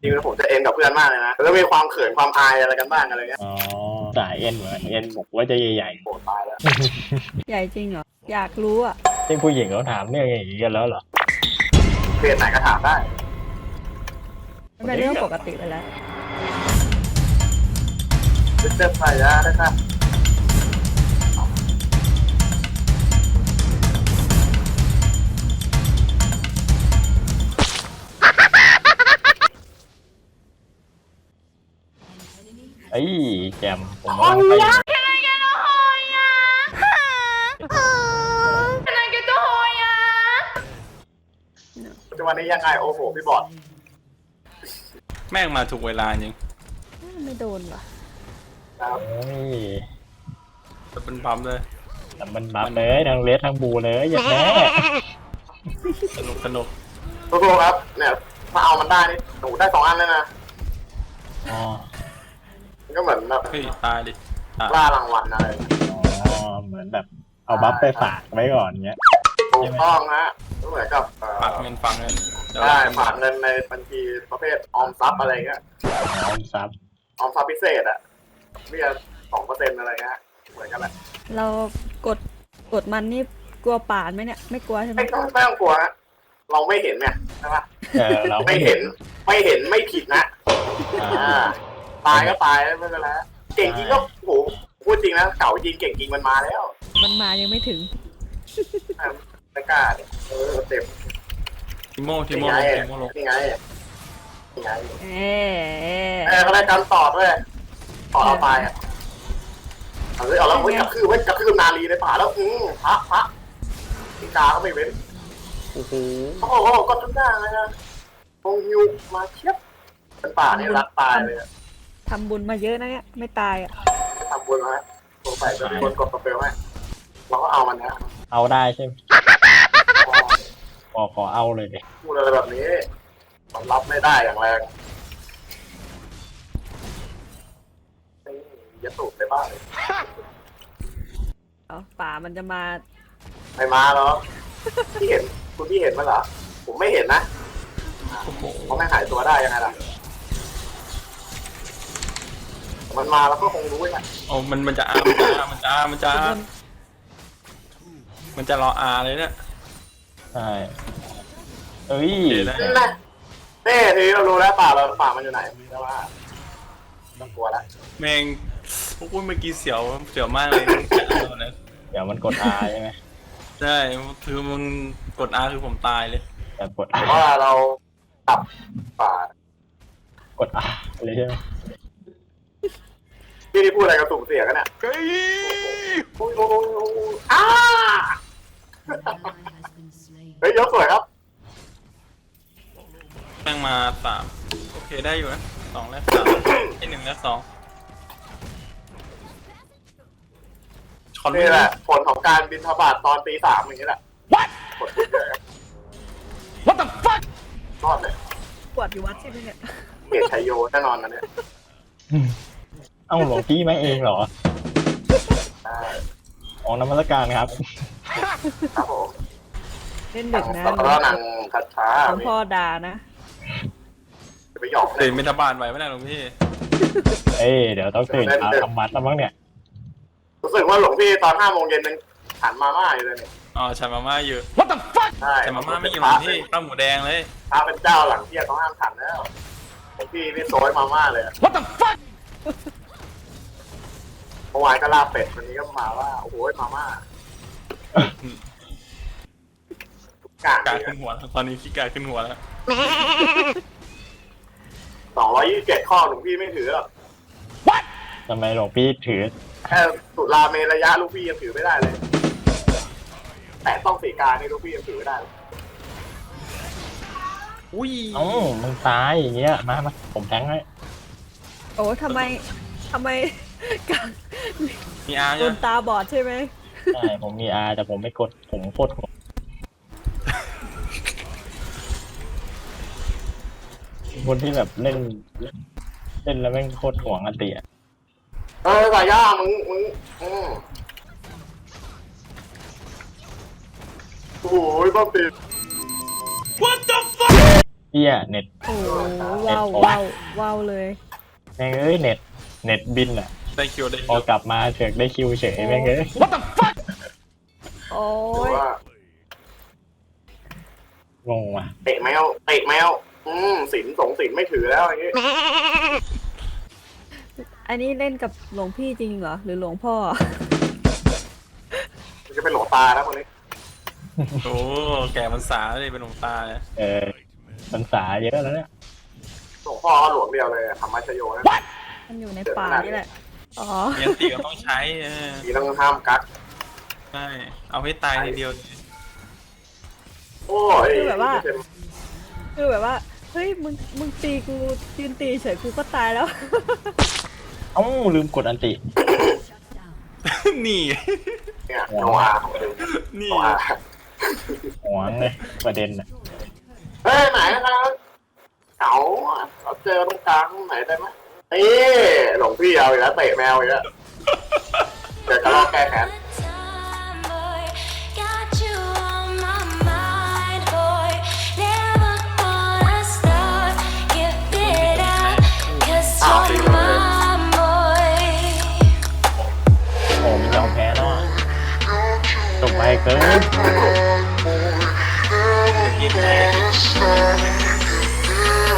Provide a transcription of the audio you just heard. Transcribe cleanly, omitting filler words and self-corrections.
จริงๆผมจะเอ็นกับเพื่อนมากเลยนะแล้วมีความเขินความอายอะไรกันบ้างอะไรเงี้ยอ๋อสายเอ็นเหมือนเอ็นบอกว่าจะใหญ่โหตายแล้วใหญ่จริงเหรอ อยากรู้อ่ะๆที่ผู้หญิงเขาถามเรื่องอย่างนี้กันแล้วเหรอเพจไหนก็ถามได้มันเป็นเรื่องปกติไปแล้วเจ็บไปแล้วนะครับเอ้ยแจมผมว่าไปปัจจุบันนี้ยังไงโอ้โหพี่บอดแม่งมาถูกเวลาจริงไม่โดนว่ะครับเอ้ยจะเป็นปั๊มเลยแต่มันบัฟเลยทั้งเลสทั้งบูเลยอย่างแน่สนุกสนุกทุกคนครับเนี่ยถ้าเอามันได้นี่หนูได้2 อันเลยนะอ๋อมันก็เหมือนแบบเฮ้ยตายดิตายล่ารางวัลอะไรอ๋อเหมือนแบบเอาบัฟไปฝากไว้ก่อนเงี้ยถูกต้องนะก็เหมือนกับฝากเงินเดี๋ยวได้ฝากเงินในบัญชีประเภทออมทรัพย์อะไรเงี้ยน้องซับออมทรัพย์พิเศษอะเบี้ย2%อะไรเงี้ยเหมือนกันแหละเรากดมันนี่กลัวป่านไหมเนี่ย ไม่กลัวใช่ไหมไม่ต้องกลัวนะเราไม่เห็นเนี่ยใช่ปะเราไม่เห็นไม่ผิดนะ ตายก็ตายไม่เป็นไรเก่งจริงก็โหพูดจริงนะเก่าจริงเก่งจริงมันมาแล้วมันมายังไม่ถึงไม่กล้าเนี่ยเต็มทิโมนี่ลไงงทิโมลงนี่ไงนี่ไงเอ๊ะเขาได้การต่อด้วยต่อเอาไปอ่ะเอาเลยเอาแล้วเว้ยกระทืบนาลีในป่าแล้วพระพิกาก็ไม่เว้นโอ้โหโอ้โหก็ทุกอย่างเลยนะพงยูมาเชียบเป็นป่านี่รักตายเลยทำบุญมาเยอะนะเนี่ย ไม่ตายอ่ะทำบุญมาสงสัยจะมีคนกดกระเป๋าให้เราก็เอามันนะเอาได้ใช่ไหมขอเอาเลยดิพูดอะไรแบบนี้มันรับไม่ได้อย่างแรงอย่าสูบไปบ้างเลยเอาป่ามันจะมาไม่มาหรอกพี่เห็นคุณพี่เห็นมั้ยเหรอผมไม่เห็นนะโอ้โหเขาไม่หายตัวได้ยังไงล่ะมันมาแล้วก็คงรู้ไงโอ้มันจะมันจะรออาเลยเนี่ยใช่เอ้ยนี่แหละนี่ทีเรารู้แล้วป่ามันอยู่ไหนแต่ว่าต้องกลัวแล้วแม่งพวกเมื่อกี้เสียวมากเลยนะเดี๋ยวมันกด R ใช่ไหมใช่คือมึงกดอาคือผมตายเลยแต่กดเพราะว่าเราตับป่ากด R เลยใช่ไหมพี่ที่พูดอะไรกับสุ่มเสียกันเนี่ยโอ้ยอ้าเฮ้ยยกสวยครับแม่งมา3โอเคได้อยู่นะ2แรก3ที่1แรก2ช็อตนี่แหละผลของการบินทบาทตอนตี 3อย่างนี้แหละ What the fuck รอดเลยปวดอยู่วัดใช่ไหมเนี่ยเกตชัยโยแน่นอนนะเนี่ยเอ้าหลวงพี่มาเองเหรอใช่ออกนมัสการครับครับผมเล่นดึกนะแล้วก็นางคัดช้าหลวงพ่อด่านะจะไปหยอกตื่นเป็นทบาทไหวไหมนะหลวงพี่เอ้ยเดี๋ยวต้องตื่นเช้าทำวัดแล้วมั้งเนี่ยรู้สึกว่าหลวงพี่ตอน5 โมงเย็นนึงฉันมาม่าอยู่เลยเนี่ยอ๋อฉันมาม่าอยู่ใช่ฉันมาม่าไม่อยู่หลวงพี่ข้าวหมูแดงเลยพระเป็นเจ้าหลังเที่ยงเขาห้ามฉันแล้วหลวงพี่นี่โซยมาม่าเลยเมื่อวานก็ลาบเป็ดวันนี้ก็มาว่าโอ้โหมาม่าทุกอย่างกาขึ้นหัวแล้วตอนนี้ขี้กาขึ้นหัวแล้ว 227 ข้อหลวงพี่ไม่ถือหรอกทำไมหลวงพี่ถือแค่สุราเมระยะลูกพี่ยังถือไม่ได้เลย แต่ต้องสีกานี่ลูกพี่ยังถือไม่ได้เลยอุ้ยเอ้ามึงตายอย่างเงี้ยมาผมแทงให้โอ้ทำไมการมีอาร์คเนี่ยนตาบอดใช่ไหมใช่ผมมี R แต่ผมไม่กดผมโคตรหัวคนที่แบบเล่นแล้วแม่งโคตรห่วงอันติอะสายย่ามึงโอ้ยบ้าปี What the fuck เหี้ยเน็ตโอ้ว้าวว้าวว้าวเลยแม่งเอ้ยเน็ตบินอ่ะได้คิวได้พคิอวกลับมาเฉกได้คิวเฉยแม่งเอ้ยโอ้หรือย ว่างงว่ะเตะแมวศีลศีลไม่ถือแล้วอย่างงี้อันนี้เล่นกับหลวงพี่จริงเหรอหรือหลวงพ่อมันจะเป็นหลวงตาแล้วคนนี้โอ้แก่มันสาเลยเป็นหลวงตาเลยพรรษาเยอะแล้วเนี่ยหลวงพ่อก็หลวงเดียวเลยธรรมชโยนะมันอยู่ในป่านี่แหละอ๋อเมียนตีก็ต้องใช้ทีต้องห้ามกักใช่เอาให้ตายทีเดียวเลยโอ้ยคือแบบว่าเฮ้ยมึงตีกูยืนตีเฉยกูก็ตายแล้วเอ้าลืมกดอันตินี่เนี่ยโนอาของจริงนี่โนอาหวงเลยประเด็นอ่ะเฮ้ยไหนนะครับเก๋าเราเจอตรงกลางไหนได้ไหมเอ้หลวงพี่เอาอีกแล้วเตะแมวอีกแล้วเดี๋ยวจะลองแก้แค้น Got you on my mind, boy. Never gonna stop. Give it up, 'cause you're my boy. โอ้มันยอมแพ้แล้วอะจบไปเกินกินแน่